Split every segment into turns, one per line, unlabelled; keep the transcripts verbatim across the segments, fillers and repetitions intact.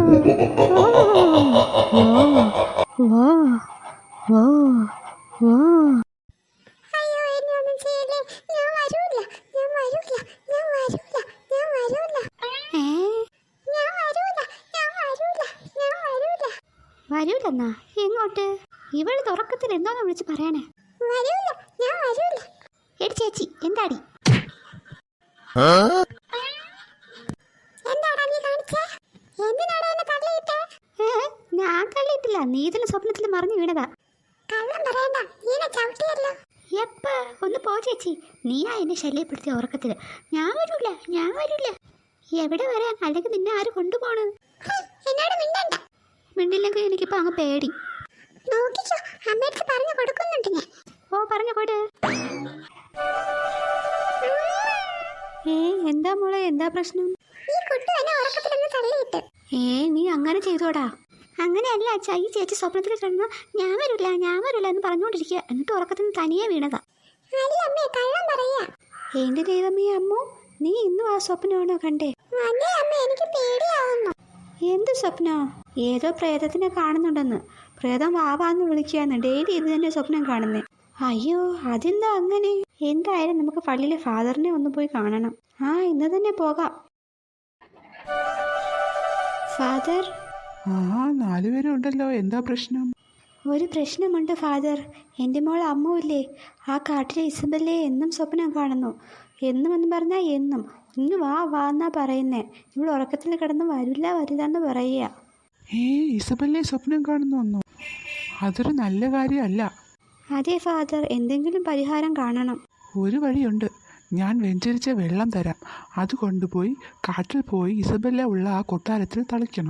വരൂലെന്നാ? എങ്ങോട്ട്? ഇവള് തുറക്കത്തിൽ എന്തോന്ന് വിളിച്ച് പറയണേ? എടി ചേച്ചി, എന്താടി? ഞാൻ തള്ളിയിട്ടില്ല, നീ ഇതിന് സ്വപ്നത്തിൽ മറിഞ്ഞു വീണതാ. എപ്പ? ഒന്ന് പോ ചേച്ചി, നീയാ എന്നെ ശല്യപ്പെടുത്തിയ ഉറക്കത്തില്. ഞാൻ വരൂല, ഞാൻ വരൂല. എവിടെ വരാൻ? അല്ലെങ്കിൽ നിന്നെ ആര് കൊണ്ടുപോണ്? മിണ്ടില്ലെങ്കിൽ എനിക്കിപ്പോ അങ്ങ് പേടി. ഓ, പറഞ്ഞു കൊടു. ഏ എന്താ മോളെ, എന്താ പ്രശ്നം? ഏ നീ അങ്ങനെ ചെയ്തോടാ? അങ്ങനെയല്ല അച്ഛാ, ഈ ചേച്ചി സ്വപ്നത്തിൽ കിടന്നു ഞാൻ വരില്ല ഞാൻ വരില്ല എന്ന് പറഞ്ഞുകൊണ്ടിരിക്കുക. എന്നിട്ട് ഉറക്കത്തിന് തനിയെ വീണതാ. എന്റെ ദൈവമേ അമ്മോ, നീ ഇന്നും ആ സ്വപ്നമാണോ കണ്ടേ? എന്ത് സ്വപ്നോ? ഏതോ പ്രേതത്തിനെ കാണുന്നുണ്ടെന്ന്. പ്രേതം വാവാന്ന് വിളിക്കുകയെന്ന്. ഡെയിലി ഇത് തന്നെ സ്വപ്നം കാണുന്നേ. അയ്യോ, അതെന്താ അങ്ങനെ? എന്തായാലും നമുക്ക് പള്ളിയിലെ ഫാദറിനെ ഒന്ന് പോയി കാണണം. ആ, ഇന്ന് തന്നെ പോകാം. ഫാദർ.
ആ, നാലുപേരും ഉണ്ടല്ലോ, എന്താ പ്രശ്നം?
ഒരു പ്രശ്നമുണ്ട് ഫാദർ. എൻ്റെ മോൾ അമ്മുവില്ലേ, ആ കാട്ടിലെ ഇസബല്ലേ എന്നും സ്വപ്നം കാണുന്നു. എന്നും എന്ന് പറഞ്ഞാൽ എന്നും. ഇന്ന് വാ വാ എന്നാ പറയുന്നേ. ഇവിടെ ഉറക്കത്തിൽ കിടന്ന് വരില്ല വരില്ല എന്ന് പറയുക.
ഏ ഇസബല്ലേ സ്വപ്നം കാണുന്നു? അതൊരു നല്ല കാര്യമല്ല.
അതെ ഫാദർ, എന്തെങ്കിലും പരിഹാരം കാണണം.
ഒരു വഴിയുണ്ട്. ഞാൻ വെഞ്ചരിച്ച വെള്ളം തരാം. അത് കൊണ്ടുപോയി കാട്ടിൽ പോയി ഇസബല്ല ഉള്ള ആ കൊട്ടാരത്തിൽ തളിക്കണം.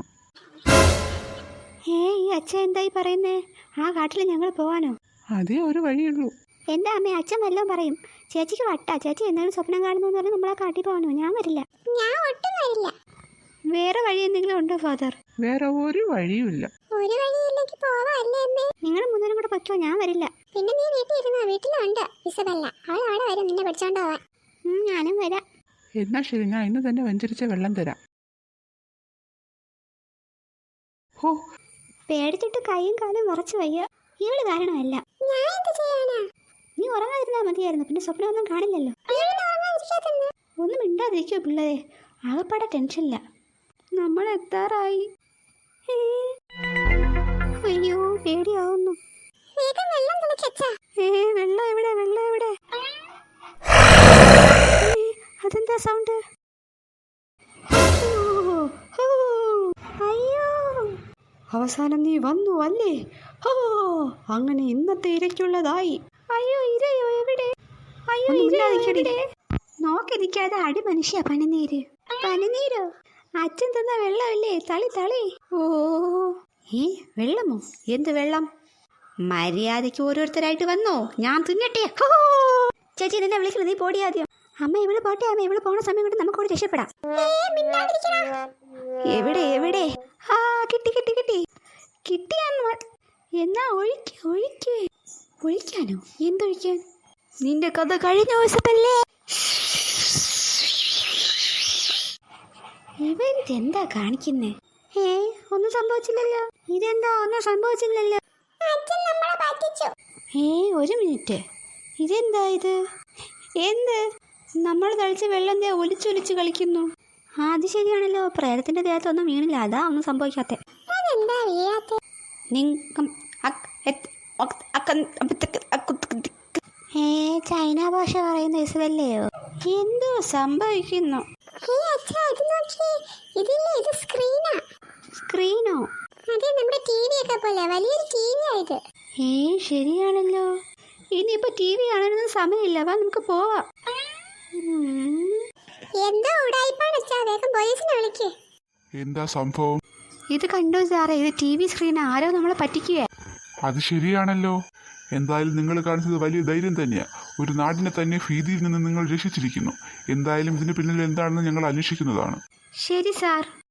ഏ ഈ അച്ഛൻ എന്തായി പറയുന്നേ? ആ കാട്ടിൽ ഞങ്ങൾ പോവാനോ?
അതേ ഒരു വഴിയുള്ളൂ.
എൻ്റെ അമ്മ, അച്ഛൻ വല്ലതും പറയും. ചേച്ചിക്ക് വട്ടാ. ചേച്ചി എന്തെങ്കിലും സ്വപ്നം കാണുന്നു എന്ന് പറഞ്ഞാൽ നമ്മൾ ആ കാട്ടിൽ പോകാനോ? ഞാൻ വരില്ല. ഞാൻ ഒട്ടും വരില്ല. വേറെ വഴി എന്തെങ്കിലും ഉണ്ടോ ഫാദർ?
വേറെ ഒരു വഴിയുമില്ല.
ഒരു വഴിയില്ലെങ്കിൽ പോവാല്ലേ അമ്മേ? നിങ്ങൾ മൂന്നേരും കൂടെ പറ്റുമോ? ഞാൻ വരില്ല. പിന്നെ നീ വീട്ടിൽ ഇരുന്നോ? വീട്ടിലുണ്ട് ഇസബല്ല, അവൾ അവിടെ വരും നിന്നെ പിടിച്ചോണ്ട് പോവാൻ. ഞാനും വരാം.
എന്നാ ശരി, ഞാൻ ഇന്ന് തന്നെ വെഞ്ചരിച്ച വെള്ളം തരാം. ഹോ,
പേടിച്ചിട്ട് കൈയും കാലും വിറച്ചു വയ്യ. ഇവള് കാരണമല്ല. നീ ഉറങ്ങാതിരുന്നാ മതിയായിരുന്നു, പിന്നെ സ്വപ്നമൊന്നും കാണില്ലല്ലോ. ഒന്നും മിണ്ടാതിരിക്കോ പിള്ളേരെ, ആകപ്പാടെ ടെൻഷനില്ല. നമ്മൾ എത്താറായി. അയ്യോ, പേടിയാവുന്നു. ഏ വെള്ളം എവിടെ? വെള്ളം എവിടെ? അതെന്താ സൗണ്ട്? അയ്യോ, അവസാനം നീ വന്നു അല്ലേ? ഓ, അങ്ങനെ ഇന്നത്തെ ഇരയ്ക്കുള്ളതായി. അയ്യോ, ഇരയോ എവിടെ? അയ്യോ, ഇരയുടെ നോക്കി നിൽക്കാതെ അടി മനുഷ്യ. പനിനീര്. പനിനീരോ? അച്ഛൻ തന്ന വെള്ളമല്ലേ? തളി തളി. ഓ, ഈ വെള്ളമോ? എന്ത് വെള്ളം? മര്യാദയ്ക്ക് ഓരോരുത്തരായിട്ട് വന്നോ, ഞാൻ തിന്നട്ടെ. ചേച്ചി നിന്നെ വിളിക്കുന്നത്, നീ പോടി ആദ്യം. അമ്മ ഇവള് പോട്ടെ അമ്മ, ഇവള് പോണ സമയം കൊണ്ട് നമുക്കോട് രക്ഷപ്പെടാം. എവിടെ എവിടെ? ആ, കിട്ടി കിട്ടി കിട്ടി കിട്ടിയാന്ന്. എന്നാ ഒഴിക്ക് ഒഴിക്ക്. ഒഴിക്കാനോ? എന്തൊഴിക്കാൻ? നിന്റെ കഥ കഴിഞ്ഞ ദിവസത്തല്ലേ? ഇവരിതെന്താ കാണിക്കുന്നേ? ഏ ഒന്നും സംഭവിച്ചില്ലല്ലോ. ഇതെന്താ ഒന്നും സംഭവിച്ചില്ലല്ലോ? ഏ ഒരു മിനിറ്റ്, ഇതെന്താ ഇത്? എന്ത്? നമ്മൾ തളിച്ച വെള്ളം ഒലിച്ചൊലിച്ച് കളിക്കുന്നു. അത് ശരിയാണല്ലോ, പ്രേതത്തിന്റെ ദേഹത്തൊന്നും വീണില്ല, അതാ ഒന്നും സംഭവിക്കാത്ത. ഏ ചൈന ഭാഷ പറയുന്ന ഇസബല്ലയോ? എന്തോ സംഭവിക്കുന്നു? സ്ക്രീനോ? ഏ ശരിയാണല്ലോ. ഇനിയിപ്പോ ടി വി കാണാനൊന്നും സമയമില്ല, വാ നമുക്ക് പോവാം.
എന്താ സംഭവം?
ഇത് കണ്ടോ സാറേ, ഇത് ടി വി സ്ക്രീൻ. ആരോ നമ്മളെ പറ്റിക്കുക.
അത് ശരിയാണല്ലോ. എന്തായാലും നിങ്ങൾ കാണിച്ചത് വലിയ ധൈര്യം തന്നെയാണ്. ഒരു നാടിനെ തന്നെ ഭീതിയിൽ നിന്ന് നിങ്ങൾ രക്ഷിച്ചിരിക്കുന്നു. എന്തായാലും ഇതിന് പിന്നിൽ എന്താണെന്ന് ഞങ്ങൾ അന്വേഷിക്കുന്നതാണ്.
ശരി സാർ.